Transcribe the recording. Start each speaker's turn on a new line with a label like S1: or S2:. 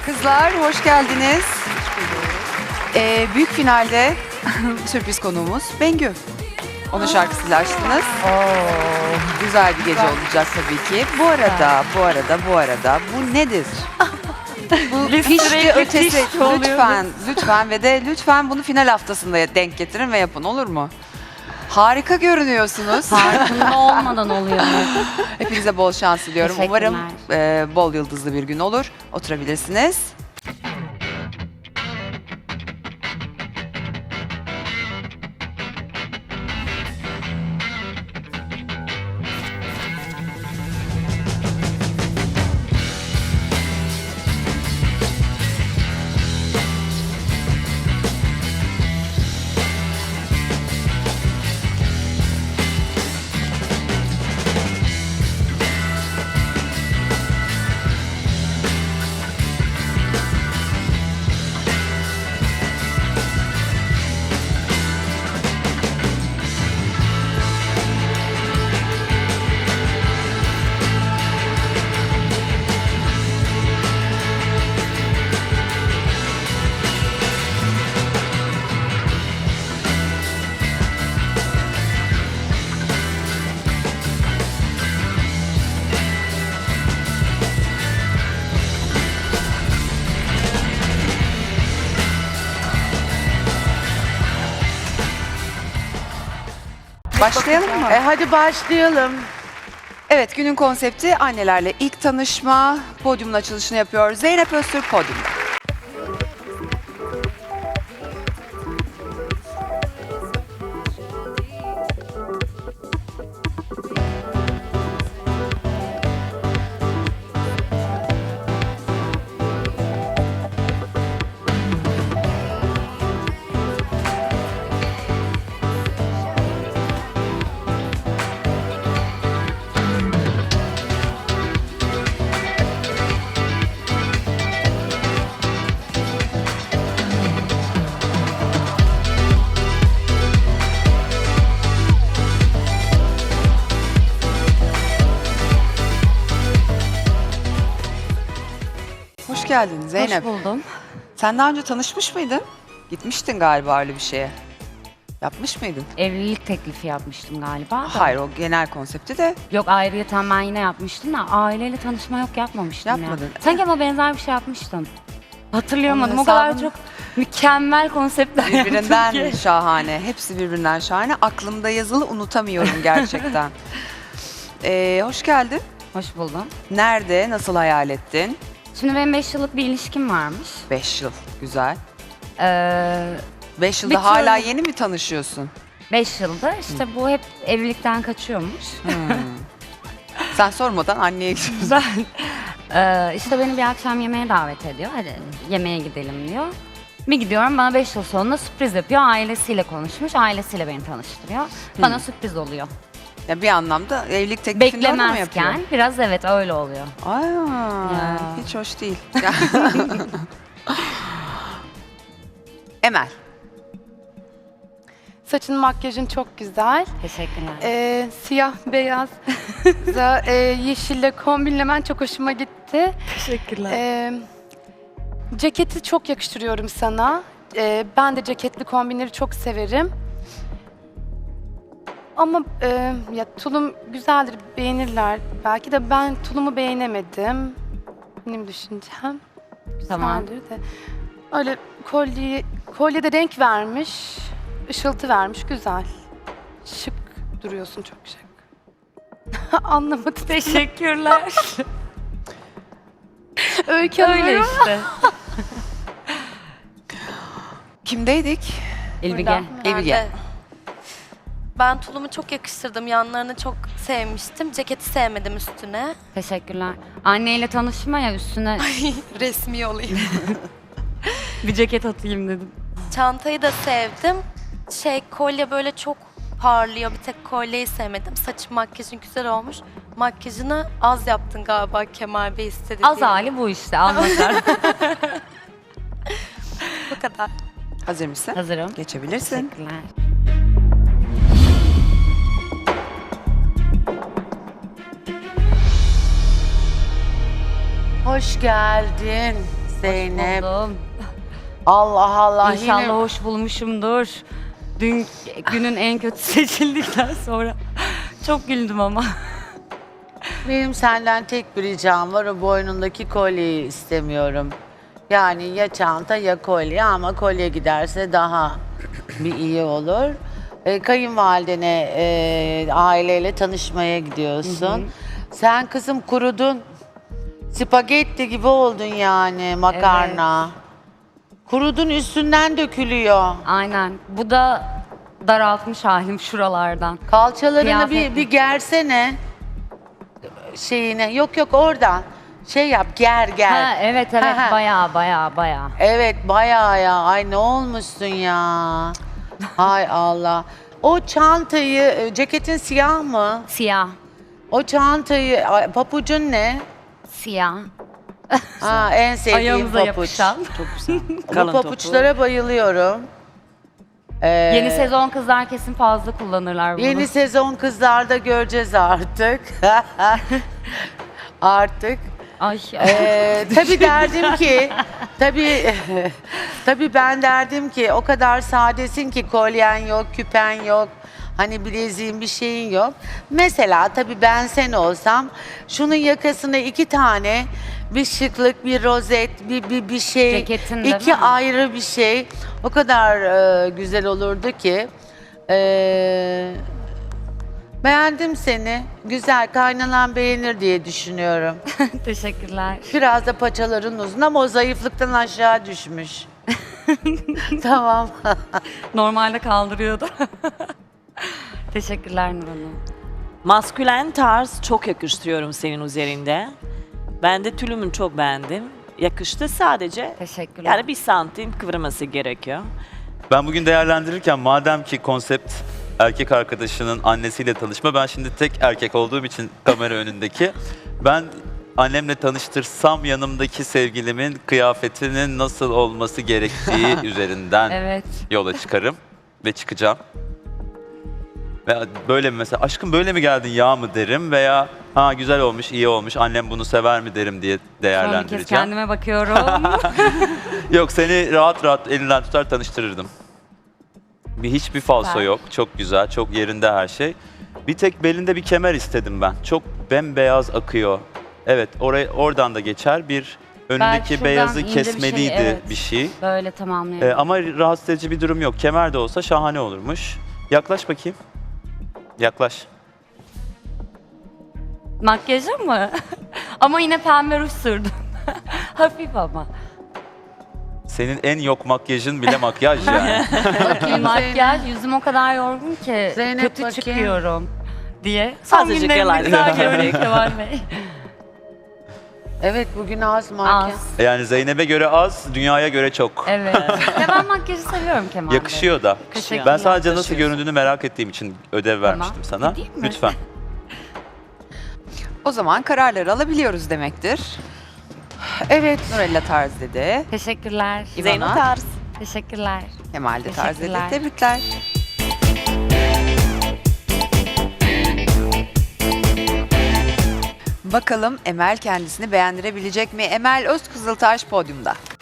S1: Kızlar hoş geldiniz. Büyük finalde sürpriz konuğumuz Bengü. Onun şarkısıyla açtınız. Güzel bir gece olacak tabii ki. Bu arada bu nedir? Bu pişti ötesi. Lütfen ve de lütfen bunu final haftasında denk getirin ve yapın, olur mu? Harika görünüyorsunuz.
S2: Farkında olmadan oluyor.
S1: Hepinize bol şans diliyorum.
S2: Teşekkürler.
S1: Umarım bol yıldızlı bir gün olur. Oturabilirsiniz. Başlayalım mı?
S3: Hadi başlayalım.
S1: Evet, günün konsepti annelerle ilk tanışma. Podyumun açılışını yapıyor Zeynep Öztürk podyumda. Hoş geldin Zeynep.
S2: Hoş buldum.
S1: Sen daha önce tanışmış mıydın? Gitmiştin galiba öyle bir şeye. Yapmış mıydın?
S2: Evlilik teklifi yapmıştım galiba da.
S1: Hayır, o genel konsepti de
S2: Yok, ayrıyeten ben yine yapmıştım da aileyle tanışma yok, yapmamıştım
S1: Yapmadın.
S2: ya. Sanki ama benzer bir şey yapmıştım. Hatırlayamadım.
S1: Onun
S2: O kadar
S1: hesabını-
S2: çok mükemmel konseptler yaptım
S1: birbirinden
S2: ki.
S1: şahane. Hepsi birbirinden şahane. Aklımda yazılı, unutamıyorum gerçekten. Hoş geldin.
S2: Hoş buldum.
S1: Nerede, nasıl hayal ettin?
S2: Şimdi benim 5 yıllık bir ilişkim varmış.
S1: 5 yıl, güzel. 5
S2: Bir
S1: yılda hala
S2: türlü-
S1: yeni mi tanışıyorsun?
S2: 5 yılda işte bu hep evlilikten kaçıyormuş.
S1: Sen sormadan anneye gidiyorsun.
S2: Ben işte beni bir akşam yemeğe davet ediyor. Hadi yemeğe gidelim diyor. Bir gidiyorum, bana 5 yıl sonunda sürpriz yapıyor. Ailesiyle konuşmuş. Ailesiyle beni tanıştırıyor. Bana sürpriz oluyor.
S1: Ya bir anlamda evlilik teklifini orada mı yapıyor?
S2: Beklemezken biraz evet öyle oluyor.
S1: Aa,
S2: Ya.
S1: hiç hoş değil. Emel.
S3: Saçın, makyajın çok güzel.
S2: Teşekkürler.
S3: Siyah, beyaz, yeşille kombinlemen çok hoşuma gitti.
S2: Teşekkürler.
S3: Ceketi çok yakıştırıyorum sana. Ben de ceketli kombinleri çok severim. Ama ya tulum güzeldir, beğenirler. Belki de ben tulumu beğenemedim. Benim düşüncem.
S2: Tamam.
S3: Güzeldir de. Öyle kolyede renk vermiş, ışıltı vermiş, güzel. Şık duruyorsun, çok şık. Anlamadım.
S2: Teşekkürler.
S3: Öykü
S2: Öyle
S3: Hanım.
S2: işte.
S1: Kimdeydik?
S2: İlbige.
S1: Evige.
S4: Ben tulumu çok yakıştırdım. Yanlarını çok sevmiştim. Ceketi sevmedim üstüne.
S2: Teşekkürler. Anneyle tanışma ya, üstüne
S4: Resmi olayım.
S2: bir ceket atayım dedim.
S4: Çantayı da sevdim. Kolye böyle çok parlıyor. Bir tek kolyeyi sevmedim. Saçın, makyajın güzel olmuş. Makyajını az yaptın galiba, Kemal Bey istedi
S2: Az
S4: diye.
S2: hali bu işte, anlaşar.
S4: Bu kadar.
S1: Hazır mısın?
S2: Hazırım.
S1: Geçebilirsin.
S2: Teşekkürler.
S5: Hoş geldin Zeynep.
S2: Buldum.
S5: Allah Allah.
S2: İnşallah
S5: yine-
S2: hoş bulmuşumdur. Dün günün en kötü seçildikten sonra çok güldüm ama.
S5: Benim senden tek bir ricam var. O boynundaki kolyeyi istemiyorum. Yani ya çanta ya kolye ama kolye giderse daha bir iyi olur. Kayınvalidene aileyle tanışmaya gidiyorsun. Sen kızım kurudun. Spagetti gibi oldun yani makarna. Kurudun üstünden dökülüyor.
S2: Aynen. Bu da daraltmış halim şuralardan.
S5: Kalçalarını
S2: Kıyafet
S5: bir gersene. Şeyine. Yok yok oradan. Şey yap ger.
S2: Ha, evet
S5: Ha, ha.
S2: baya.
S5: Evet bayağı ya. Ay ne olmuşsun ya. Hay Allah. O çantayı, ceketin siyah mı?
S2: Siyah.
S5: O çantayı, papucun ne?
S2: Siyah.
S5: Ha, en sevdiğim
S2: Ayağımıza
S5: papuç.
S2: yapışan.
S6: Çok güzel.
S5: Bu
S6: Kalın
S5: papuçlara bayılıyorum.
S2: Yeni sezon kızlar kesin fazla kullanırlar bunu.
S5: Yeni sezon kızlarda göreceğiz artık. Artık.
S2: Ay.
S5: Tabii derdim ki, tabii ben derdim ki o kadar sadesin ki kolyen yok, küpen yok. Hani bileziğin bir şeyin yok. Mesela tabii ben sen olsam şunun yakasına 2 tane bir şıklık, bir rozet, bir şey,
S2: Ceketin değil
S5: 2
S2: mi?
S5: ayrı bir şey. O kadar güzel olurdu ki. Beğendim seni. Güzel, kaynanan beğenir diye düşünüyorum.
S2: Teşekkürler.
S5: Biraz da paçaların uzun ama o zayıflıktan aşağı düşmüş. Tamam.
S2: Normalde kaldırıyordu. Teşekkürler Nur Hanım.
S6: Maskülen tarz çok yakıştırıyorum senin üzerinde. Ben de tülümün çok beğendim. Yakıştı sadece.
S2: Teşekkürler.
S6: Yani 1 santim kıvırması gerekiyor.
S7: Ben bugün değerlendirirken madem ki konsept erkek arkadaşının annesiyle tanışma, ben şimdi tek erkek olduğum için kamera önündeki, ben annemle tanıştırsam yanımdaki sevgilimin kıyafetinin nasıl olması gerektiği üzerinden
S2: Evet.
S7: yola çıkarım ve çıkacağım. Ve böyle mi mesela, aşkım böyle mi geldin ya mı derim veya ha güzel olmuş, iyi olmuş, annem bunu sever mi derim diye
S2: Son bir kez
S7: değerlendireceğim.
S2: kendime bakıyorum.
S7: Yok, seni rahat rahat elinden tutar tanıştırırdım. Hiçbir falso
S2: Süper.
S7: yok. Çok güzel, çok yerinde her şey. Bir tek belinde bir kemer istedim ben. Çok bembeyaz akıyor. Evet, oradan da geçer. Bir önündeki
S2: şuradan
S7: beyazı
S2: ince bir şey,
S7: kesmeliydi
S2: evet.
S7: bir şey.
S2: Böyle tamamlayalım.
S7: Ama rahatsız edici bir durum yok. Kemer de olsa şahane olurmuş. Yaklaş bakayım. Yaklaş.
S2: Makyajım mı? Ama yine pembe ruj sürdüm. Hafif ama.
S7: Senin en yok makyajın bile makyaj yani.
S2: Makyaj yüzüm o kadar yorgun ki
S5: Zeynep
S2: kötü
S5: bakayım.
S2: çıkıyorum diye. Son
S6: Azıcık
S2: günlerimde
S6: yalan.
S2: güzel görünüyor Kemal Bey.
S5: Evet bugün az makyaj.
S2: Az.
S7: Yani Zeynep'e göre az, dünyaya göre çok.
S2: Evet. Ya ben makyajı seviyorum Kemal Bey.
S7: Yakışıyor da.
S2: Teşekkürler.
S7: Ben sadece nasıl
S6: Yakışıyor.
S7: göründüğünü merak ettiğim için ödev vermiştim sana.
S2: Gideyim mi?
S7: Lütfen.
S1: O zaman kararları alabiliyoruz demektir.
S5: Evet.
S1: Nurella tarz dedi.
S2: Teşekkürler.
S6: Zeyno
S1: İvana,
S6: tarz.
S2: Teşekkürler.
S1: Kemal de tarz dedi.
S2: Teşekkürler.
S1: Tebrikler. Bakalım Emel kendisini beğendirebilecek mi? Emel Özkızıltaş podyumda.